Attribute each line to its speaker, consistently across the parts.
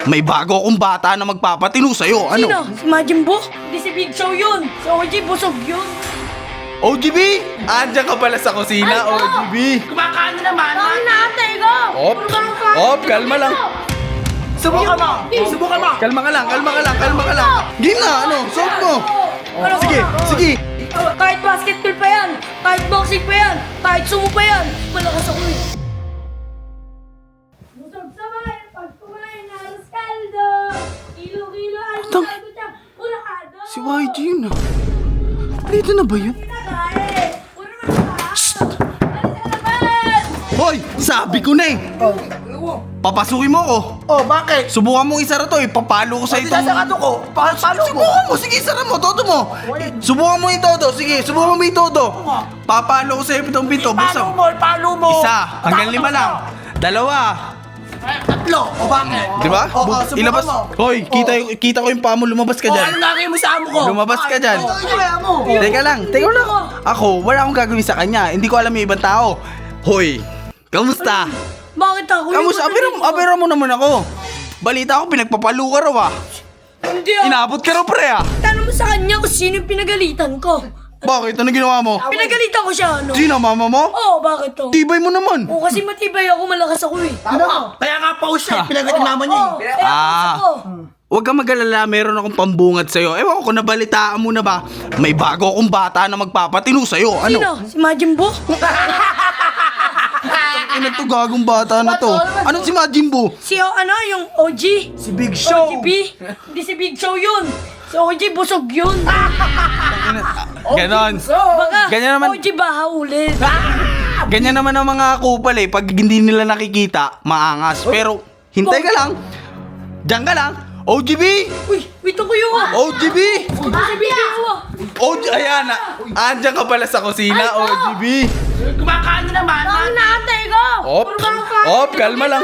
Speaker 1: May bago akong bata na magpapatino sa'yo. Ano?
Speaker 2: Sino? Si Majin Buu? Hindi si Big Show yun. Si OG busog yun.
Speaker 1: OGB! Andiyan ka pala sa kusina,
Speaker 2: Ay,
Speaker 1: OGB.
Speaker 3: Kumakain na naman.
Speaker 2: Ang naatay ko!
Speaker 1: Op, kalma lang.
Speaker 3: Subukan mo. Subukan mo.
Speaker 1: Kalma ka lang. Game na, ano? Suot mo. Sige.
Speaker 2: Kahit basketball pa yan, kahit boxing pa yan, kahit sumo pa yan, malakas ako eh. Busog sabay, pag kumain na alas kaldo, kilo-kilo alas kaldo siya, ulahado.
Speaker 1: Si YG yun ah. Dito na ba yun?
Speaker 2: Pinakain, puro naman sa alis ka naman!
Speaker 1: Hoy! Sabi ko na eh! Papasukin mo ako.
Speaker 3: Oh, bakit?
Speaker 1: Subukan mo isara to, ipapalo ko sa itong...
Speaker 3: Sasakado ko. Paano mo?
Speaker 1: Subukan mo, sige, isara mo, todo mo. Subukan mo yung todo, sige, subukan mo yung todo. Papalo ko sa itong pinto, buksan.
Speaker 3: Paano mo?
Speaker 1: Isa, hanggang 5 lang. 2.
Speaker 3: Tatlo. O bakit?
Speaker 1: Di ba?
Speaker 3: Subukan
Speaker 1: Ilabas.
Speaker 3: mo.
Speaker 1: Hoy, kita ko yung paa mo, lumabas ka
Speaker 3: Oh,
Speaker 1: dyan.
Speaker 3: ano lagay mo sa amo ko?
Speaker 1: Lumabas ka dyan.
Speaker 3: Kaya mo.
Speaker 1: Teka lang. Ako, wala akong gagawin sa kanya. Hindi ko alam yung ibang tao. Hoy, kamusta?
Speaker 2: Bakit ako?
Speaker 1: Kamusta? Apera mo naman ako. Balita ko, pinagpapalo ka raw ah.
Speaker 2: Hindi ah.
Speaker 1: Inabot ka raw pre ah.
Speaker 2: Tanong mo sa kanya kung sino yung pinagalitan ko.
Speaker 1: Bakit? Ano ginawa mo?
Speaker 2: Pinagalitan ko siya, ano?
Speaker 1: Sino, mama mo?
Speaker 2: Oo, bakit to?
Speaker 1: Tibay mo naman.
Speaker 2: Oo, kasi matibay ako, malakas ako eh.
Speaker 3: Ano? Kaya nga pa siya. Pinagod naman niya.
Speaker 2: Oo, kaya malakas ako.
Speaker 1: Huwag kang mag-alala, meron akong pambungad sa'yo. Ewan ko, nabalitaan mo na ba? May bago akong bata na magpapatino sa'yo. Ano?
Speaker 2: Sino? Si Majin Buu?
Speaker 1: Ano to, gagong bata na to? Ano si Majin Buu?
Speaker 2: Si yung OG?
Speaker 3: Si Big Show.
Speaker 2: OGB? Hindi si Big Show yun. Si OG busog yun.
Speaker 1: Ganon.
Speaker 2: Baka
Speaker 1: Ganyan naman.
Speaker 2: OG baha ulit.
Speaker 1: Ganyan naman ang mga kupal eh. Pag hindi nila nakikita, maangas. Pero, hintay ka lang. Diyan ka lang. OGB!
Speaker 2: Uy, wait ako yun ah.
Speaker 1: OGB!
Speaker 2: Ito si Big Show ah.
Speaker 1: Ayan na. Andiyan ka pala sa kusina, OGB.
Speaker 3: Kumakain na naman.
Speaker 2: Ang naatay ko!
Speaker 1: Op, kalma lang.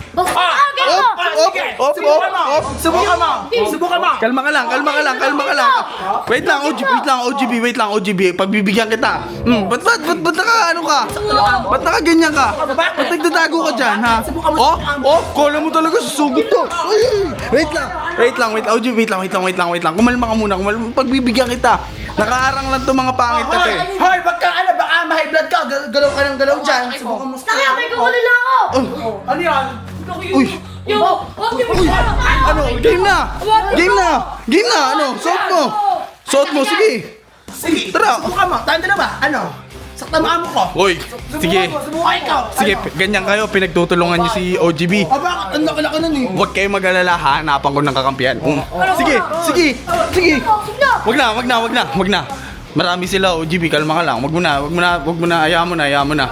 Speaker 3: Subukan mo.
Speaker 1: Kalma ka lang. Wait lang, OGB. Pagbibigyan kita. Ba't naka ano ka? Ba't nakaganyan ka? Ba't nagdadago ka dyan, ha? Kala mo talaga susugot to. Wait lang, OGB, wait lang. Kumalma ka muna, pagbibigyan kita. Nakaarang lang to mga pangit na to eh.
Speaker 3: Hoy, baka ma-high blood ka. Galaw ka ng galaw dyan. Subukan mo.
Speaker 2: Nakakay ko ulit lang ako.
Speaker 3: Ano yan?
Speaker 1: Uy!
Speaker 2: Yo,
Speaker 1: Ano? Game na! Ano? Suot mo, sige!
Speaker 3: Sige.
Speaker 1: Tara.
Speaker 3: Subukan mo. Tanda na ba? Ano? Sakta mo amo ko.
Speaker 1: Hoy, sige.
Speaker 3: Subukan ikaw.
Speaker 1: Sige, ganyan kayo, pinagtutulungan niyo si OGB.
Speaker 3: Bakit? Ang laki nun eh.
Speaker 1: Huwag kayong mag-alala, hanapan ko ng kakampihan. Sige. Wag na. Marami sila, OGB, kalma ka lang. Wag mo na, hayaan mo na.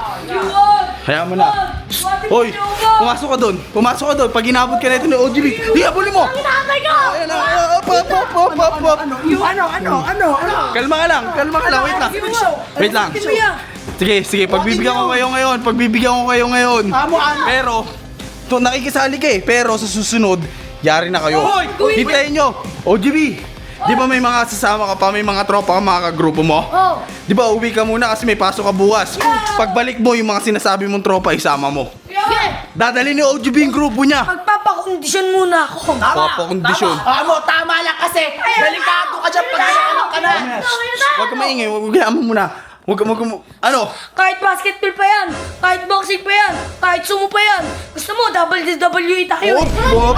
Speaker 1: Hoy, pumasok ka doon. Pag inabot ka na ito ni OGB, hihabulin mo.
Speaker 2: Nakakay ko!
Speaker 1: Ayan na,
Speaker 3: Ano?
Speaker 1: Kalma ka lang, wait lang. Sige, pagbibigyan ko kayo ngayon.
Speaker 3: Amo.
Speaker 1: Pero, nakikisali ka eh. Pero sa susunod, yari na kayo. Hintayin nyo. OGB, di ba may mga sasama ka pa, may mga tropa ka, mga kagrupo mo?
Speaker 2: Oh.
Speaker 1: Di ba uwi ka muna kasi may pasok ka bukas. Pagbalik mo, yung mga sinasabi mong tropa, isama mo. Dadali ni OGB yung grupo niya.
Speaker 2: Magpapakondisyon muna ako.
Speaker 1: Papakondisyon.
Speaker 3: Amo, tama lang kasi. Delikado ka dyan pag anak ka na.
Speaker 1: Huwag ka maingay, huwag mo muna. Ano?
Speaker 2: Kahit basketball pa yan, kahit boxing pa yan, kahit sumo pa yan. Gusto mo, WWE tayo eh.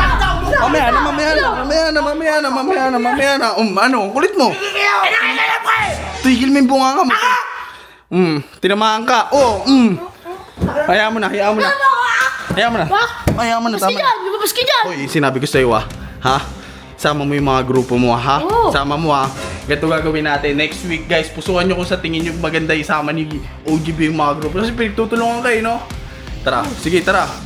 Speaker 1: Mamaya na. Ano? Kulit mo. Tigil mo yung bunga ka mo. Tinamaan ka. Hayaan mo na.
Speaker 2: Lumabas ka dyan, lumabas ka dyan.
Speaker 1: Hoy, sinabi ko sa'yo ha? Sama mo yung mga grupo mo ha?
Speaker 2: Oo.
Speaker 1: Sama mo ha? Ganito gagawin natin. Next week guys, pusuan nyo kung sa tingin nyo maganda isama ni OGB yung mga grupo. Kasi pinagtutulungan kayo, no? Tara, sige, tara.